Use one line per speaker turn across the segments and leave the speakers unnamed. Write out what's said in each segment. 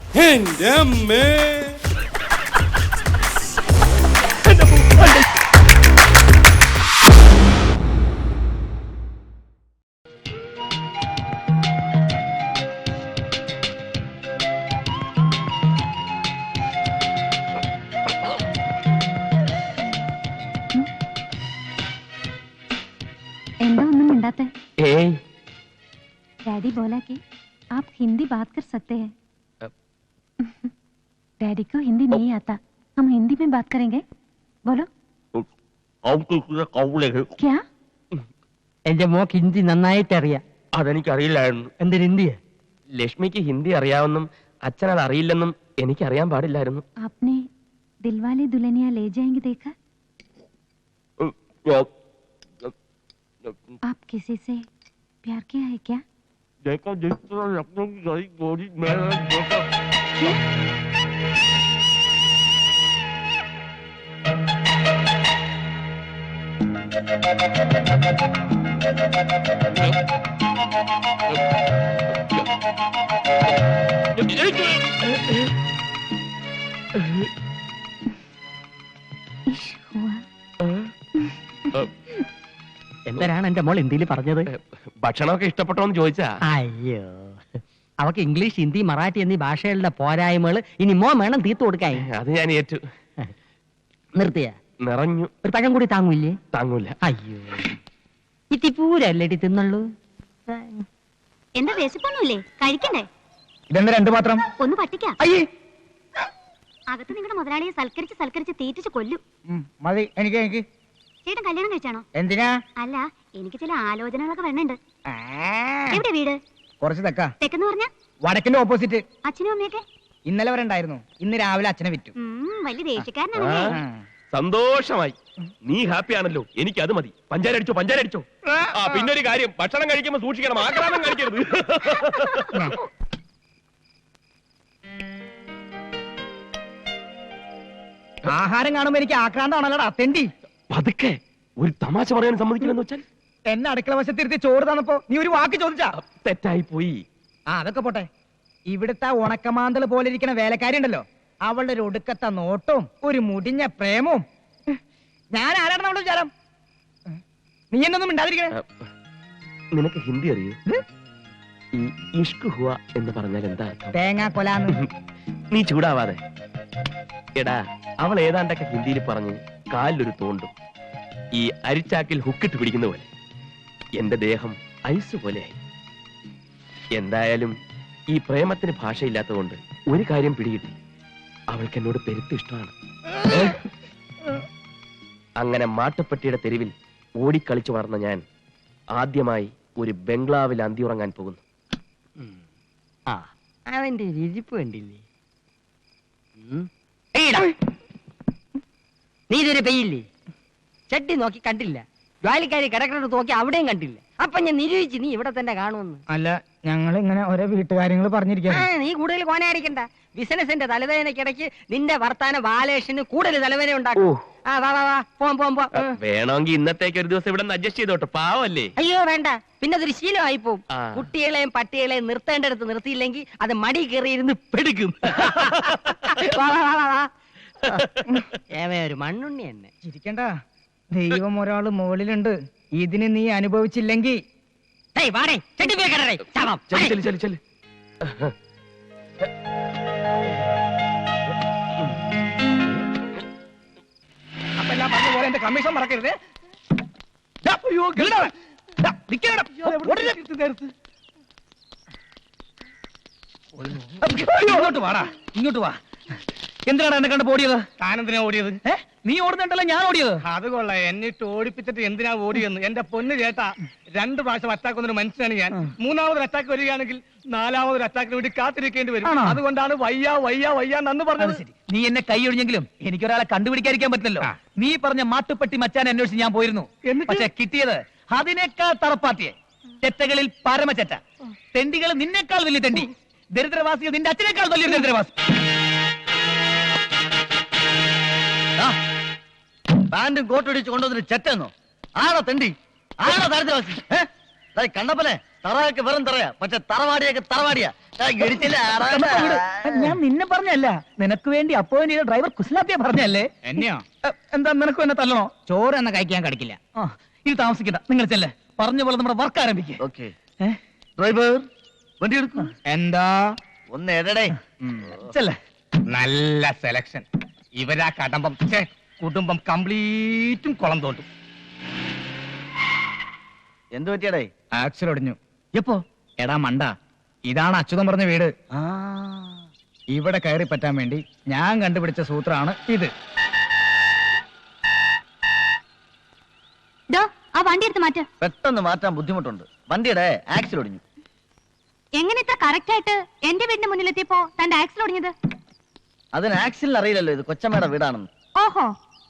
എന്റെ അമ്മേ.
എന്താ ഒന്നും മിണ്ടാത്തെ? डैडी बोला कि आप हिंदी बात कर सकते हैं। डैडी को हिंदी नहीं आता, हम हिंदी में बात करेंगे। बोलो क्या?
എന്റെ മോക്ക് ഹിന്ദി നന്നായിട്ട് അറിയാം.
അതെനിക്കറിയില്ലായിരുന്നു.
എന്തിന് ഹിന്ദിയാ?
ലക്ഷ്മിക്ക് ഹിന്ദി അറിയാമെന്നും അച്ഛൻ അത് അറിയില്ലെന്നും എനിക്കറിയാൻ പാടില്ലായിരുന്നു.
आपने दिलवाले दुल्हनिया ले जाएंगे देखा? आप किसी से प्यार किया है क्या?
देखा देखा लखनऊ की गई गोरी में देखा।
इश्क हुआ।
എന്തരാണ് എന്റെ മോൾ ഹിന്ദിയിൽ പറഞ്ഞത്?
ഭക്ഷണമൊക്കെ ഇഷ്ടപ്പെട്ടോന്ന് ചോദിച്ചാ.
അയ്യോ, അവക്ക് ഇംഗ്ലീഷ്, ഹിന്ദി, മറാഠി എന്നീ ഭാഷകളുടെ പോരായ്മകൾ ഇനി മോ വേണം തീർത്തു കൊടുക്കാൻ.
അത് ഞാൻ ഏറ്റു.
നിർത്തിയ
നിറഞ്ഞു.
ഒരു പഴം കൂടി താങ്ങൂല്ലേ?
താങ്ങൂല.
അയ്യോ, ഇത്തിപ്പൂരല്ലേടി തിന്നുള്ളൂ.
എന്താ വിശപ്പൊന്നുമില്ലേ? കഴിക്കണ്ടേ?
ഇതെന്താ രണ്ടു മാത്രം?
ഒന്ന് പറ്റിക്കാം.
അയ്യേ,
അകത്ത് നിങ്ങളുടെ മുതലാളിയെ സൽക്കരിച്ച് തീറ്റിച്ച് കൊല്ലും.
മതി. എനിക്ക്
ചേട്ടൻ കല്യാണം കഴിച്ചാണോ?
എന്തിനാ?
അല്ല, എനിക്ക് ചില ആലോചനകളൊക്കെ വേണുണ്ട്. എവിടെ വീട്?
കുറച്ച് തെക്കാ.
തെക്കെന്ന് പറഞ്ഞ
വടക്കിന്റെ ഓപ്പോസിറ്റ്.
അച്ഛനും അമ്മയൊക്കെ
ഇന്നലെ വരെ ഉണ്ടായിരുന്നു, ഇന്ന് രാവിലെ അച്ഛനെ വിറ്റു.
വലിയ ദേഷ്യക്കാരനാണല്ലേ?
സന്തോഷമായി. നീ ഹാപ്പി ആണല്ലോ, എനിക്ക് അത് മതി. പഞ്ചാര അടിച്ചോ, പഞ്ചാര അടിച്ചോ. പിന്നെ ഒരു കാര്യം, ഭക്ഷണം കഴിക്കുമ്പോ സൂക്ഷിക്കണം, ആക്രാന്തം കഴിക്കരുത്.
ആഹാരം കാണുമ്പോ എനിക്ക് ആക്രാന്താണല്ലോടാ തെണ്ടി.
പതുക്കെ, ഒരു തമാശ പറയാൻ സമ്മതിക്കില്ലെന്ന് വെച്ചാൽ.
എന്നെ അടുക്കള വശത്തിരുത്തി ചോറ് തന്നപ്പോ നീ ഒരു വാക്ക് ചോദിച്ചാ?
തെറ്റായി പോയി.
അതൊക്കെ പോട്ടെ. ഇവിടുത്തെ ഉണക്കമാന്തള് പോലെ ഇരിക്കുന്ന വേലക്കാരി ഉണ്ടല്ലോ, അവളുടെ ഒരു ഒടുക്കത്തെ നോട്ടവും ഒരു മുടിഞ്ഞ പ്രേമവും. ഞാൻ ആരാണ് അവളുടെ വിചാരം? നീ എന്നൊന്നും മിണ്ടാതിരിക്കണേ.
നിനക്ക് ഹിന്ദി അറിയൂ? ഈ ഇഷ്ക് ഹുവ എന്ന് പറഞ്ഞാൽ എന്താ?
തേങ്ങാ കൊലാന്ന്.
നീ ചൂടാവാതെ. എടാ, അവൾ ഏതാണ്ടൊക്കെ ഹിന്ദിയിൽ പറഞ്ഞ് കാലിലൊരു തോണ്ടും. ഈ അരിച്ചാക്കിൽ ഹുക്കിട്ട് പിടിക്കുന്ന പോലെ എന്റെ ദേഹം ഐസ് പോലെയായി. എന്തായാലും ഈ പ്രേമത്തിന് ഭാഷയില്ലാത്തതുകൊണ്ട് ഒരു കാര്യം പിടികിട്ടി, അവൾക്ക് എന്നോട് പെരുത്ത് ഇഷ്ടമാണ്. അങ്ങനെ മാട്ടുപ്പെട്ടിയുടെ തെരുവിൽ ഓടിക്കളിച്ചു വളർന്ന ഞാൻ ആദ്യമായി ഒരു ബംഗ്ലാവിൽ അന്തിയുറങ്ങാൻ പോകുന്നു.
അവന്റെ ഇരിപ്പ് കണ്ടില്ലേ? നീ ഇതുവരെ പെയ്യില്ലേ? ചട്ടി നോക്കി കണ്ടില്ല, ജോലിക്കാരി കിടക്കുന്നത് നോക്കി അവിടെയും കണ്ടില്ല. അപ്പൊ ഞാൻ നിരൂപിച്ച് നീ ഇവിടെ തന്നെ കാണുമെന്ന്.
അല്ല, ഞങ്ങൾ ഇങ്ങനെ ഓരോ വീട്ടുകാര്യങ്ങൾ പറഞ്ഞിരിക്കാം.
നീ കൂടുതൽ കോനായിരിക്കണ്ട. ബിസിനസിന്റെ തലവേദനക്കിടയ്ക്ക് നിന്റെ വർത്താന ബാലേഷന് കൂടുതൽ തലവേദന ഉണ്ടാക്കും.
വേണമെങ്കിൽ ഇന്നത്തേക്ക് ഒരു ദിവസം ഇവിടെ അഡ്ജസ്റ്റ് ചെയ്തോട്ടെ, പാവല്ലേ?
അയ്യോ വേണ്ട, പിന്നെ അതൊരു ശീലമായി പോവും. കുട്ടികളെയും പട്ടികളെയും നിർത്തേണ്ടടുത്ത് നിർത്തിയില്ലെങ്കിൽ അത് മടി കയറിയിരുന്ന് പെടുക്കും. ഒരു മണ്ണുണ്ണി തന്നെ.
ചിരിക്കണ്ട, ദൈവം ഒരാള് മുകളിലുണ്ട്. ഇതിന് നീ അനുഭവിച്ചില്ലെങ്കിൽ അപ്പെല്ലാം പറഞ്ഞ പോലെ എന്റെ കമ്മീഷൻ മറക്കരുത്. ഇങ്ങോട്ട് വാടാ, ഇങ്ങോട്ട് വാ. എന്തിനാണ് എന്നെ കണ്ട് ഓടിയത്? താനെന്തിനാ ഓടിയത്? നീ ഓടുന്നുണ്ടല്ലോ, ഞാൻ ഓടിയത്. അത് കൊള്ളാം, എന്നിട്ട് ഓടിപ്പിച്ചിട്ട് എന്തിനാ ഓടിയെന്ന്. എന്റെ പൊന്ന് ചേട്ടാ, 2 പ്രാവശ്യം അറ്റാക്ക് വന്നൊരു മനുഷ്യനാണ് ഞാൻ. 3ാമതൊരു അറ്റാക്ക് വരികയാണെങ്കിൽ 4ാമതൊരു അറ്റാക്കിന് വേണ്ടി കാത്തിരിക്കേണ്ടി വരും. അതുകൊണ്ടാണ് വയ്യ വയ്യ വയ്യ നന്ന് പറഞ്ഞത്. നീ എന്നെ കൈയൊഴിഞ്ഞെങ്കിലും എനിക്കൊരാളെ കണ്ടുപിടിക്കാതിരിക്കാൻ പറ്റില്ലല്ലോ. നീ പറഞ്ഞ മാട്ടുപ്പെട്ടി മച്ചാൻ അന്വേഷിച്ച് ഞാൻ പോയിരുന്നു. പക്ഷെ കിട്ടിയത് അതിനേക്കാൾ തറപ്പാത്തിയെ. ചെറ്റകളിൽ പരമചെറ്റ. തെണ്ടികൾ നിന്നേക്കാൾ വലിയ തെണ്ടി. ദരിദ്രവാസികൾ നിന്റെ അച്ഛനേക്കാൾ വലിയ ദരിദ്രവാസി.
പാന്റും കോട്ടടിച്ച് കൊണ്ടുവന്നിട്ട് ചെറ്റെന്നോ? ആണോ തെണ്ടി? ആണോ ദരിദ്രവാസി? കണ്ടപ്പോലെ
തറയൊക്കെ വെറും തറയാ, പക്ഷെ തറവാടിയൊക്കെ തറവാടിയാ.
ഞാൻ നിന്നെ പറഞ്ഞല്ല, നിനക്ക് വേണ്ടി അപ്പോയിന്റ് ചെയ്ത ഡ്രൈവർ കുസ്ലാപ്പിയെ പറഞ്ഞല്ലേ.
എന്നെയോ?
എന്താ നിനക്കും എന്നെ തല്ലണോ?
ചോറ് എന്ന കഴിക്കാൻ കടിക്കില്ല.
ഇത് താമസിക്കണ്ട, നിങ്ങൾ ചെല്ലേ. പറഞ്ഞ പോലെ നമ്മുടെ വർക്ക് ആരംഭിക്കുക.
ഡ്രൈവർ വണ്ടി എടുക്കും.
എന്താ
ഒന്ന് എടടേ.
ചെല്ലേ. നല്ല സെലക്ഷൻ. ഇവരാ കടമ്പം കുടുംബം കംപ്ലീറ്റും കുളം തോട്ടും.
എന്ത് പറ്റിയടേ?
ആക്സിൽ ഒടിഞ്ഞു.
എപ്പോ?
എടാ മണ്ട, ഇതാണ് അച്യുതൻ പറഞ്ഞ വീട്. ഇവിടെ കയറി പറ്റാൻ വേണ്ടി ഞാൻ കണ്ടുപിടിച്ച സൂത്രമാണ് ഇത്.
ആ വണ്ടി എടുത്ത് മാറ്റ.
പെട്ടെന്ന് മാറ്റാൻ ബുദ്ധിമുട്ടുണ്ട്. വണ്ടിയുടെ ആക്സിൽ ഒടിഞ്ഞു.
എങ്ങനെ ഇത്ര കറക്റ്റ് ആയിട്ട് എന്റെ വീടിന്റെ മുന്നിലെത്തിയപ്പോ തന്റെ ആക്സിൽ ഒടിഞ്ഞത്?
അതിന് ആക്സിലിന് അറിയില്ലല്ലോ ഇത് കൊച്ചമ്മയുടെ വീടാണെന്ന്.
ഓഹോ,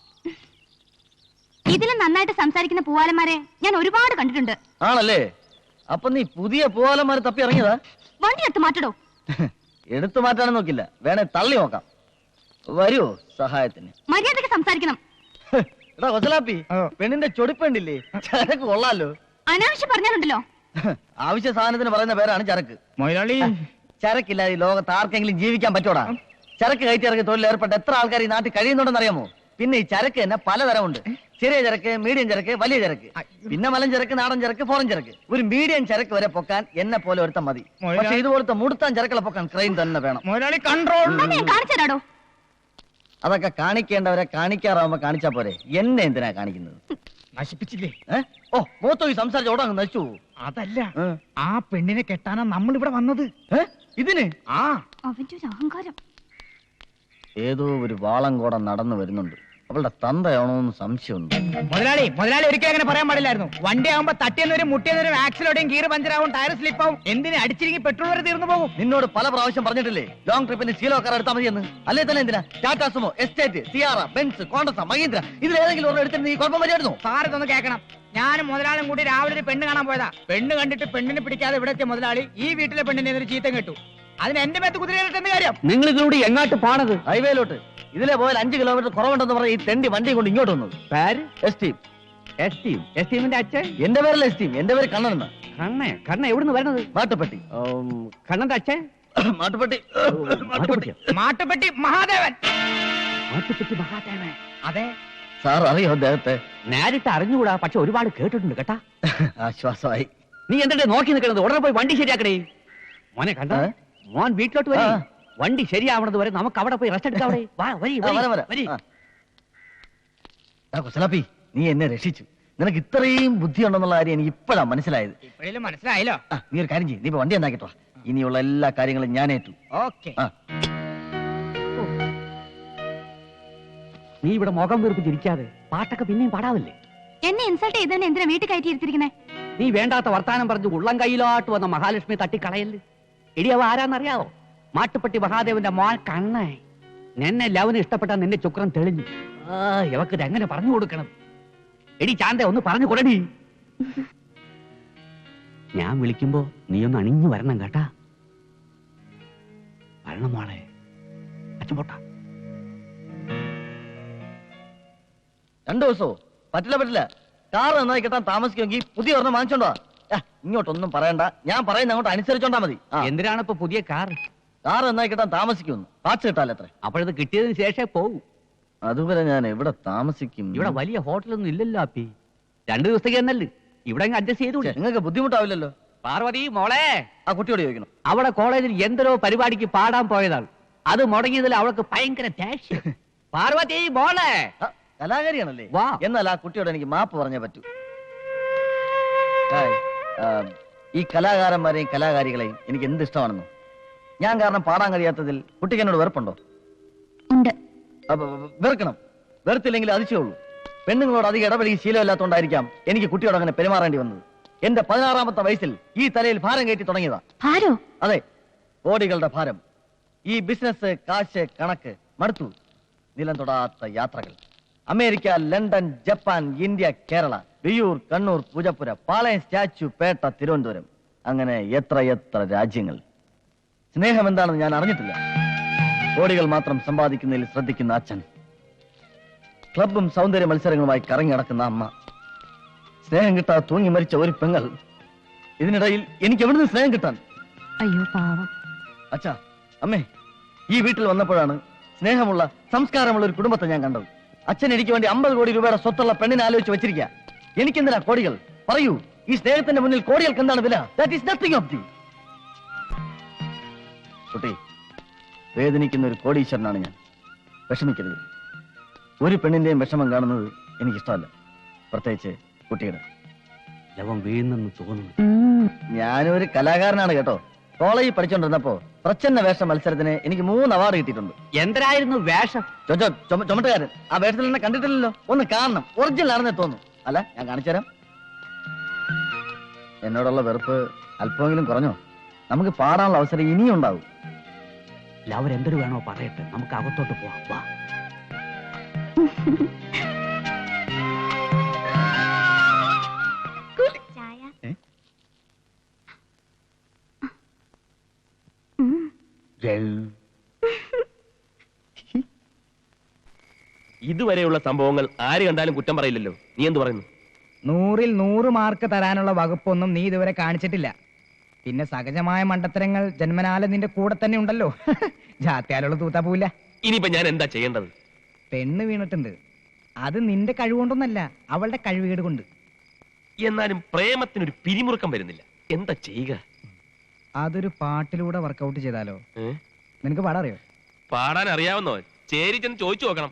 ഇതിലും നന്നായിട്ട് സംസാരിക്കുന്ന പൂവാലന്മാരെ ഞാൻ ഒരുപാട് കണ്ടിട്ടുണ്ട്.
ആണല്ലേ? അപ്പൊ നീ പുതിയ പൂവാലന്മാരെ തപ്പി ഇറങ്ങിയതാ?
വണ്ടി എടുത്ത് മാറ്റടോ.
എടുത്തു മാറ്റാനും നോക്കില്ല, വേണേ തള്ളി നോക്കാം. വരുവോ സഹായത്തിന്?
മര്യാദക്ക് സംസാരിക്കണം.
എടാ കൊച്ചലാപ്പി, പെണ്ണിന്റെ ചൊടിപ്പുണ്ടില്ലേ, ചരക്ക് കൊള്ളാലോ.
അനാവശ്യം പറഞ്ഞാലുണ്ടല്ലോ.
ആവശ്യ സാധനത്തിന് പറയുന്ന പേരാണ് ചരക്ക്.
മൊയിലാളി,
ചരക്കില്ലാതെ ഈ ലോകത്ത് ആർക്കെങ്കിലും ജീവിക്കാൻ പറ്റൂടാ? ചരക്ക് കയറ്റി ഇറങ്ങി തൊഴിൽ ഏർപ്പെട്ട എത്ര ആൾക്കാർ ഈ നാട്ടിൽ കഴിയുന്നുണ്ടെന്ന് അറിയാമോ? പിന്നെ ഈ ചരക്ക് തന്നെ പലതരമുണ്ട്. ചെറിയ ചരക്ക്, മീഡിയം ചരക്ക്, വലിയ ചരക്ക്, പിന്നെ മലം ചരക്ക്, നാടൻ ചരക്ക്, ഫോറൻ ചരക്ക്. ഒരു മീഡിയം ചരക്ക് വരെ പൊക്കാൻ എന്നെ പോലെ ഒരുത്തം മതി. പക്ഷെ ഇതുപോലത്തെ മുടുത്താൻ ചരക്കുകളെ പൊക്കാൻ ക്രെയിൻ തന്നെ വേണം.
മൊയിലാളി കൺട്രോൾ.
കാണിച്ചു തരാടോ.
അതൊക്കെ കാണിക്കേണ്ടവരെ കാണിക്കാറാവുമ്പോ കാണിച്ചാ പോരെ, എന്നെ എന്തിനാ കാണിക്കുന്നത്?
നശിപ്പിച്ചില്ലേ?
ഓ മൂത്തോ ഈ സംസാരിച്ച ഓടാ നശിച്ചു.
അതല്ല, ആ പെണ്ണിനെ കെട്ടാനാ നമ്മൾ ഇവിടെ വന്നത്.
ഇതിന്
അവന്റെ ഒരു അഹങ്കാരം.
ഏതോ ഒരു വാളങ്കോടം നടന്നു വരുന്നുണ്ട്. അവളുടെ തന്തയാണോന്ന് സംശയമുണ്ട്.
മുതലാളി ഒരിക്കലും അങ്ങനെ പറയാൻ പാടില്ലായിരുന്നു. വണ്ടി ആകുമ്പോ തട്ടിയെന്നവരും മുട്ടിയെന്നവരും ആക്സിലോടെയും ഗിയർ പഞ്ചറാവും, ടയർ സ്ലിപ്പാവും. എന്തിന് അടിച്ചിരിക്കും പെട്രോൾ വരെ തീർന്നു പോകും.
നിന്നോട് പല പ്രാവശ്യം പറഞ്ഞിട്ടില്ലേ ലോങ് ട്രിപ്പിന് ശീലോ കാർ എടുത്താൽ മതിയെന്ന്? അല്ലേ തന്നെ എന്തിനാ Tata Sumo, Estate, Sierra, Benz, Contessa, Mahindra ഇതിലേതെങ്കിലും ഒരെണ്ണം എടുത്തിട്ട് നീ കുഴപ്പം വരെയായിരുന്നു?
സാർ ഇതൊന്ന് കേൾക്കണം. ഞാനും മുതലാളിയും കൂടി രാവിലെ ഒരു പെണ്ണ് കാണാൻ പോയതാ. പെണ്ണ് കണ്ടിട്ട് പെണ്ണിനെ പിടിക്കാതെ ഇവിടെ എത്തിയ മുതലാളി ഈ വീട്ടിലെ പെണ്ണിനെ ഒരു ചീത്തം കേട്ടു. അതിന് എന്റെ മേത്ത് കുതിരയിലിട്ടെന്ന് കാര്യം.
നിങ്ങൾ ഇതിലൂടെ എങ്ങാട്ട് പോണത്?
ഹൈവേയിലോട്ട്. ഇതിലെ പോയാൽ 5 കിലോമീറ്റർ കുറവുണ്ടെന്ന് പറഞ്ഞ ഈ തെണ്ടി വണ്ടി കൊണ്ട് ഇങ്ങോട്ട് വന്നത്.
പേര്
എസ്റ്റീം.
എസ്റ്റീമിന്റെ അച്ഛൻ?
എന്റെ പേരല്ല എസ്റ്റീം, എന്റെ പേര് കണ്ണൻ.
കണ്ണ എവിടുന്ന് വരുന്നത്?
മാട്ടുപ്പെട്ടി.
കണ്ണന്റെ അച്ഛൻ?
മാട്ടുപ്പെട്ടി.
മാട്ടുപ്പെട്ടി മഹാദേവൻ.
മാട്ടുപ്പെട്ടി മഹാദേവൻ?
അതെ.
സാർ അറിയോ അദ്ദേഹത്തെ?
നേരിട്ട് അറിഞ്ഞുകൂടാ, പക്ഷെ ഒരുപാട് കേട്ടിട്ടുണ്ട് കേട്ടാ.
ആശ്വാസമായി.
നീ എന്തിട്ട് നോക്കി നിൽക്കുന്നത്? ഉടനെ പോയി വണ്ടി ശരിയാക്കണേ. മോനെ കണ്ട, മോൻ വീട്ടിലോട്ട് വരി. വണ്ടി ശരിയാവണത് വരെ നമുക്ക് അവിടെ പോയി റെസ്റ്റ് എടുക്കാം.
കൊച്ചലാപ്പി, നീ എന്നെ രക്ഷിച്ചു. നിനക്ക് ഇത്രയും ബുദ്ധിയുണ്ടെന്നുള്ള കാര്യം എനിക്ക് ഇപ്പോഴാ മനസ്സിലായത്.
മനസ്സിലായല്ലോ.
നീ ഒരു കാര്യം ചെയ്യും, നീ ഇപ്പൊ വണ്ടി എന്താക്കിട്ടോ. ഇനിയുള്ള എല്ലാ കാര്യങ്ങളും ഞാൻ ഏറ്റു.
ഓക്കെ.
നീ ഇവിടെ മുഖം വീർപ്പ് ചിരിക്കാതെ പാട്ടൊക്കെ പിന്നെയും പാടാവല്ലേ?
എന്നെ ഇൻസൾട്ട് ചെയ്തവനെ എന്തിനാ വീട്ടിൽ കയറ്റി ഇരുത്തിരിക്കുന്നേ?
നീ വേണ്ടാത്ത വർത്താനം പറഞ്ഞു ഉള്ളം കയ്യിലോട്ട് വന്ന മഹാലക്ഷ്മി തട്ടിക്കളയല്ലേ. എടി അവ ആരാന്നറിയാവോ? മാട്ടുപ്പെട്ടി മഹാദേവന്റെ മോൻ കണ്ണേ. നിന്നെ ലവന് ഇഷ്ടപ്പെട്ടാ നിന്റെ ചുക്രം തെളിഞ്ഞു. ഇവക്ക് എങ്ങനെ പറഞ്ഞു കൊടുക്കണം? എടി ചാന്ത ഒന്ന് പറഞ്ഞു കൊടുടി. ഞാൻ വിളിക്കുമ്പോ നീ ഒന്ന് അണിഞ്ഞു വരണം കേട്ടാ. വരണം മോളെ. അച്ഛൻ പോട്ടാ.
2 ദിവസമോ? പറ്റില്ല. കാർ നന്നായി കിട്ടാൻ താമസിക്കുമെങ്കിൽ പുതിയ ഒരെണ്ണം വാങ്ങിച്ചോണ്ടോ. ഇങ്ങോട്ടൊന്നും പറയണ്ട, ഞാൻ പറയുന്ന അങ്ങോട്ട് അനുസരിച്ചോണ്ടാ മതി.
എന്തിനാണ് ഇപ്പൊ പുതിയ കാർ?
കാർ നന്നായി കിട്ടാൻ താമസിക്കുമെന്ന്. പാച്ച് കിട്ടാലത്ര.
അപ്പോഴത് കിട്ടിയതിന് ശേഷമേ പോകൂ.
അതുവരെ ഞാൻ എവിടെ താമസിക്കും?
ഇവിടെ വലിയ ഹോട്ടലൊന്നും ഇല്ലല്ലോ അപ്പി. 2 ദിവസത്തേക്ക് എന്നല്ലേ ഇവിടെ അഡ്ജസ്റ്റ് ചെയ്തു.
നിങ്ങൾക്ക് ബുദ്ധിമുട്ടാവില്ലല്ലോ.
പാർവതി മോളെ,
ആ കുട്ടിയോട് ചോദിക്കണം.
അവിടെ കോളേജിൽ എന്തരോ പരിപാടിക്ക് പാടാൻ പോയതാണ്. അത് മുടങ്ങിയതിൽ അവൾക്ക് ഭയങ്കര ദേഷ്യം. പാർവതി മോളെ.
കലാകാരിയാണല്ലേ? എന്നാൽ ആ കുട്ടിയോട് എനിക്ക് മാപ്പ് പറഞ്ഞേ പറ്റൂ. ഈ കലാകാരന്മാരെയും കലാകാരികളെയും എനിക്ക് എന്ത് ഇഷ്ടമാണെന്നോ. ഞാൻ കാരണം പാടാൻ കഴിയാത്തതിൽ കുട്ടിക്ക് എന്നോട് വെറുപ്പുണ്ടോ? വെറുക്കണം. വെറുത്തില്ലെങ്കിൽ അതിശയുള്ളൂ. പെണ്ണുങ്ങളോട് അധികം ഇടപെടി ശീലമില്ലാത്തതുകൊണ്ടായിരിക്കാം എനിക്ക് കുട്ടിയോട് അങ്ങനെ പെരുമാറേണ്ടി വന്നത്. എന്റെ 16ാമത്തെ വയസ്സിൽ ഈ തലയിൽ ഭാരം കയറ്റി തുടങ്ങിയതാ. അതെ, കോടികളുടെ ഭാരം. ഈ ബിസിനസ്, കാശ്, കണക്ക് മടുത്തു. നിലം തൊടാത്ത യാത്രകൾ. America, London, Japan, India, Kerala, Viyyur, Kannur, Poojappura, Palayam, Statue, Pettah, Thiruvananthapuram, അങ്ങനെ എത്ര രാജ്യങ്ങൾ. സ്നേഹം എന്താണെന്ന് ഞാൻ അറിഞ്ഞിട്ടില്ല. കോടികൾ മാത്രം സമ്പാദിക്കുന്നതിൽ ശ്രദ്ധിക്കുന്ന അച്ഛൻ, ക്ലബും സൗന്ദര്യ മത്സരങ്ങളുമായി കറങ്ങി നടക്കുന്ന അമ്മ, സ്നേഹം കിട്ടാതെ തൂങ്ങി മരിച്ച ഒരു പെങ്ങൾ, ഇതിനിടയിൽ എനിക്ക് എവിടുന്ന് സ്നേഹം കിട്ടാൻ?
അയ്യോ പാവം.
അച്ഛാ, അമ്മേ, ഈ വീട്ടിൽ വന്നപ്പോഴാണ് സ്നേഹമുള്ള സംസ്കാരമുള്ള ഒരു കുടുംബത്തെ ഞാൻ കണ്ടത്. അച്ഛൻ എനിക്ക് വേണ്ടി 50 കോടി രൂപയുടെ സ്വത്തുള്ള പെണ്ണിനെ ആലോചിച്ച് വെച്ചിരിക്കുക. എനിക്കെന്തിനാ കോടികൾ? പറയൂ, ഈ സ്നേഹത്തിന്റെ മുന്നിൽ കോടികൾക്ക് എന്താണ് വില? That is nothing of the. കുട്ടി, വേദനിക്കുന്ന ഒരു കോടീശ്വരനാണ് ഞാൻ. വിഷമിക്കരുത്. ഒരു പെണ്ണിന്റെയും വിഷമം കാണുന്നത് എനിക്കിഷ്ടമല്ല, പ്രത്യേകിച്ച് കുട്ടിയുടെ.
ലവൻ വീഴുന്നെന്ന് തോന്നുന്നു.
ഞാനൊരു കലാകാരനാണ് കേട്ടോ. കോളേജിൽ പഠിച്ചോണ്ടിരുന്നപ്പോ പ്രച്ഛന്ന വേഷ മത്സരത്തിന് എനിക്ക് 3 അവാർഡ് കിട്ടിയിട്ടുണ്ട്.
എന്തരായിരുന്നു വേഷം?
ചുമട്ടുകാരൻ. ആ വേഷത്തിൽ എന്നെ കണ്ടിട്ടില്ലല്ലോ. ഒന്ന് കാണണം, ഒറിജിനൽ ആണെന്നേ തോന്നുന്നു. അല്ല, ഞാൻ കാണിച്ചു തരാം. എന്നോടുള്ള വെറുപ്പ് അല്പമെങ്കിലും കുറഞ്ഞോ? നമുക്ക് പാടാനുള്ള അവസരം ഇനിയും ഉണ്ടാവും.
ലവർ എന്തൊരു വേണോ പറയട്ടെ, നമുക്ക് അകത്തോട്ട് പോവാം. വാ.
ചായ.
ഇതുവരെയുള്ള സംഭവങ്ങൾ ആര് കണ്ടാലും കുറ്റം പറയില്ലല്ലോ. നീ എന്ത് പറയുന്നു?
100-ൽ 100 മാർക്ക് തരാനുള്ള വകുപ്പൊന്നും നീ ഇതുവരെ കാണിച്ചിട്ടില്ല. പിന്നെ സഹജമായ മണ്ടത്തരങ്ങൾ ജന്മനാല നിന്റെ കൂടെ തന്നെ ഉണ്ടല്ലോ. ജാത്യാലുള്ള തൂത്താ പോവില്ല.
ഇനിയിപ്പോ ഞാൻ എന്താ ചെയ്യേണ്ടത്?
പെണ്ണ് വീണിട്ടുണ്ട്. അത് നിന്റെ കഴിവുകൊണ്ടൊന്നല്ല, അവളുടെ കഴിവുകേട് കൊണ്ട്.
എന്നാലും പ്രേമത്തിനൊരു പിരിമുറുക്കം വരുന്നില്ല. എന്താ ചെയ്യുക?
അതൊരു പാട്ടിലൂടെ വർക്കൗട്ട് ചെയ്താലോ? നിനക്ക് പാടാറിയോ?
പാടാൻ അറിയാവുന്നോ? ചേരി ചെന്ന് ചോദിച്ചു നോക്കണം.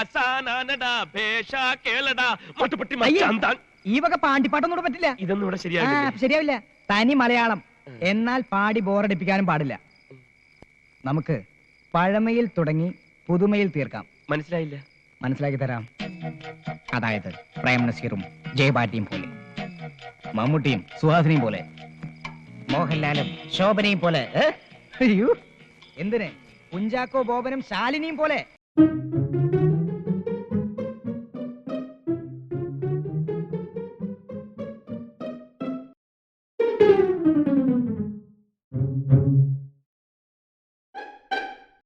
ഈ വക പാണ്ടിപ്പാട്ടൊന്നും പറ്റില്ല.
ഇതൊന്നും ഇവിടെ ശരിയാകില്ല.
ശരിയാവില്ല. തനി മലയാളം. എന്നാൽ പാടി ബോറടിപ്പിക്കാനും പാടില്ല. നമുക്ക് പഴമയിൽ തുടങ്ങി പുതുമയിൽ തീർക്കാം.
മനസ്സിലായില്ല?
മനസ്സിലാക്കി തരാം. അതായത് പ്രേം നസീറും ജയപാട്ടിയും പോലെ, മമ്മൂട്ടിയും സുഹാസിനിയും പോലെ, മോഹൻലാലും ശോഭനയും പോലെ. അയ്യോ, എന്തിന് കുഞ്ചാക്കോ ബോബനും ശാലിനിയും പോലെ.